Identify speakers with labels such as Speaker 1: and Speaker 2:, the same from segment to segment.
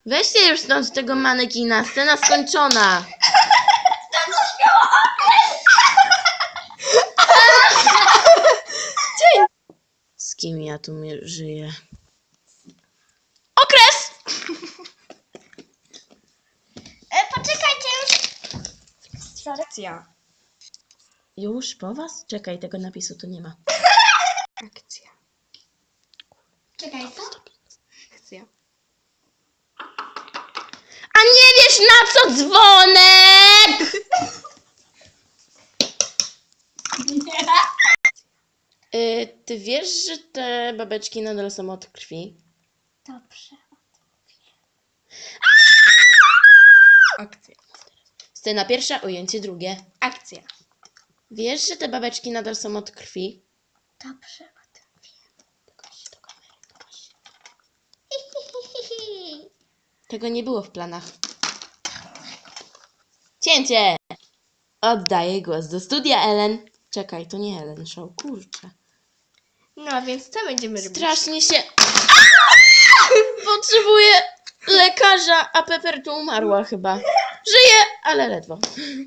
Speaker 1: Weźcie już stąd tego manekina, scena skończona. Z kim ja tu żyję? Okres!
Speaker 2: Poczekajcie już.
Speaker 3: Akcja.
Speaker 1: Już po was? Czekaj, tego napisu tu nie ma.
Speaker 3: Akcja.
Speaker 2: Czekaj, co?
Speaker 3: Akcja.
Speaker 1: A nie wiesz na co dzwonek? Ty wiesz, że te babeczki nadal są od krwi?
Speaker 2: Dobrze.
Speaker 3: Akcja.
Speaker 1: Scena pierwsza, ujęcie drugie.
Speaker 3: Akcja.
Speaker 1: Wiesz, że te babeczki nadal są od krwi?
Speaker 2: Dobrze.
Speaker 1: Tego nie było w planach. Cięcie! Oddaję głos do studia, Ellen. Czekaj, to nie Ellen Show, kurczę.
Speaker 3: No a więc co będziemy robić?
Speaker 1: Strasznie się... Potrzebuję lekarza, a Pepper tu umarła chyba. Żyje, ale ledwo.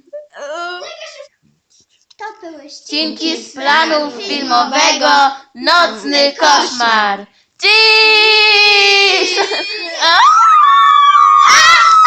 Speaker 2: To były
Speaker 1: Odcinki z planu filmowego Nocny koszmar. Dziś!